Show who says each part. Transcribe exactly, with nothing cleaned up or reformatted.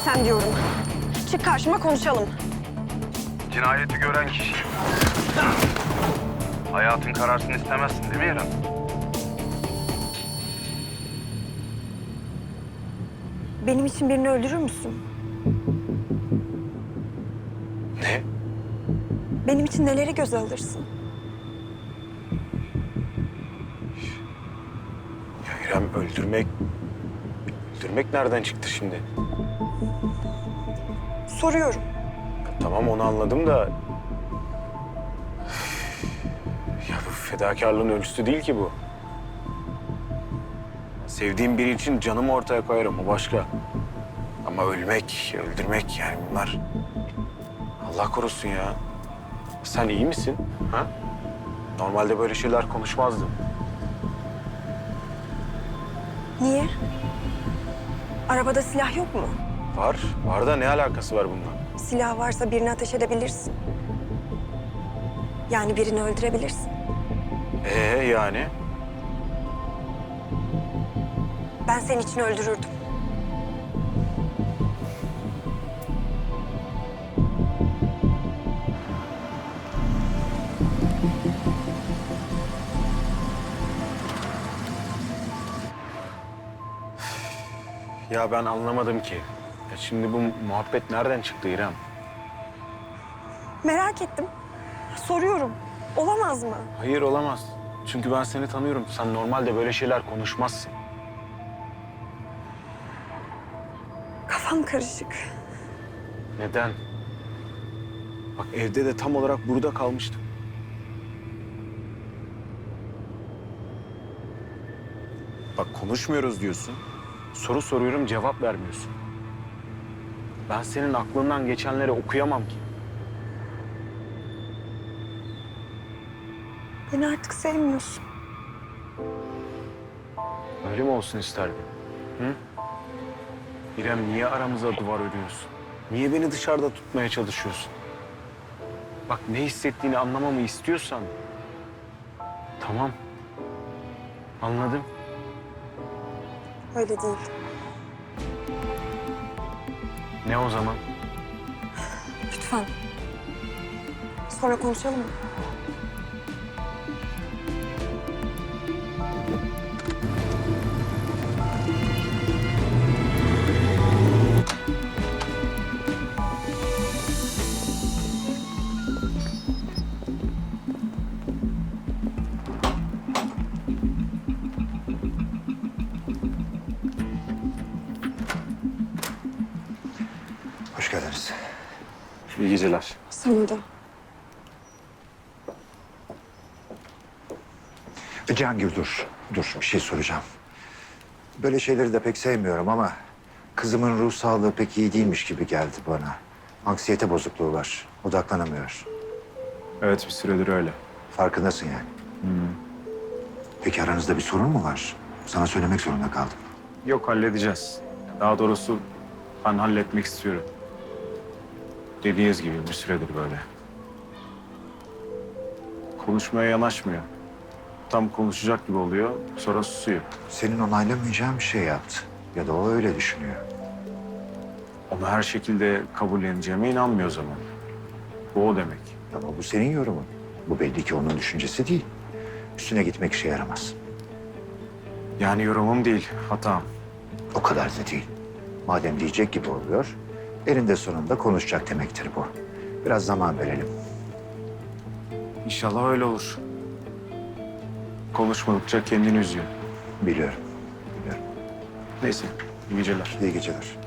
Speaker 1: sen diyorum. Çık karşıma konuşalım.
Speaker 2: Cinayeti gören kişi. Hayatın kararsın istemezsin değil mi İrem?
Speaker 1: Benim için birini öldürür müsün?
Speaker 2: Ne?
Speaker 1: Benim için neleri göze alırsın?
Speaker 3: Ya İrem, öldürmek... Öldürmek nereden çıktı şimdi?
Speaker 1: Soruyorum.
Speaker 3: Tamam, onu anladım da... Ya bu fedakarlığın ölçüsü değil ki bu. Sevdiğim biri için canımı ortaya koyarım, o başka. Ama ölmek, öldürmek yani bunlar... Allah korusun ya. Sen iyi misin? Ha? Normalde böyle şeyler konuşmazdın.
Speaker 1: Niye? Arabada silah yok mu?
Speaker 3: Var, var da ne alakası var bununla?
Speaker 1: Silah varsa birini ateş edebilirsin. Yani birini öldürebilirsin.
Speaker 3: Ee yani?
Speaker 1: Ben senin için öldürürdüm.
Speaker 3: Ya ben anlamadım ki. Ya şimdi bu muhabbet nereden çıktı İrem?
Speaker 1: Merak ettim. Soruyorum. Olamaz mı?
Speaker 3: Hayır, olamaz. Çünkü ben seni tanıyorum. Sen normalde böyle şeyler konuşmazsın.
Speaker 1: Kafam karışık.
Speaker 3: Neden? Bak, evde de tam olarak burada kalmıştım. Bak, konuşmuyoruz diyorsun. Soru soruyorum, cevap vermiyorsun. Ben senin aklından geçenleri okuyamam ki.
Speaker 1: Beni artık sevmiyorsun.
Speaker 3: Öyle mi olsun isterdin? Hı? İrem, niye aramıza duvar örüyorsun? Niye beni dışarıda tutmaya çalışıyorsun? Bak, ne hissettiğini anlamamı istiyorsan... Tamam. Anladım.
Speaker 1: Öyle değil.
Speaker 3: Ne o zaman?
Speaker 1: Lütfen. Sonra konuşalım mı?
Speaker 4: Hoş geldiniz.
Speaker 3: İyi geceler.
Speaker 1: Sana da.
Speaker 4: Cihangir, dur. Dur, bir şey soracağım. Böyle şeyleri de pek sevmiyorum ama... ...kızımın ruh sağlığı pek iyi değilmiş gibi geldi bana. Anksiyete bozukluğu var. Odaklanamıyor.
Speaker 3: Evet, bir süredir öyle.
Speaker 4: Farkındasın yani. Peki aranızda bir sorun mu var? Sana söylemek zorunda kaldım.
Speaker 3: Yok, halledeceğiz. Daha doğrusu ben halletmek istiyorum. Dediğiniz gibi bir süredir böyle. Konuşmaya yanaşmıyor. Tam konuşacak gibi oluyor, sonra susuyor.
Speaker 4: Senin onaylamayacağın bir şey yaptı. Ya da o öyle düşünüyor.
Speaker 3: Onu her şekilde kabulleneceğime inanmıyor o zaman. Bu o demek.
Speaker 4: Ama bu senin yorumun. Bu belli ki onun düşüncesi değil. Üstüne gitmek işe yaramaz.
Speaker 3: Yani yorumum değil, hatam.
Speaker 4: O kadar da değil. Madem diyecek gibi oluyor, elinde sonunda konuşacak demektir bu. Biraz zaman verelim.
Speaker 3: İnşallah öyle olur. Konuşmadıkça kendini üzüyor.
Speaker 4: Biliyorum, biliyorum.
Speaker 3: Neyse, iyi geceler.
Speaker 4: İyi geceler.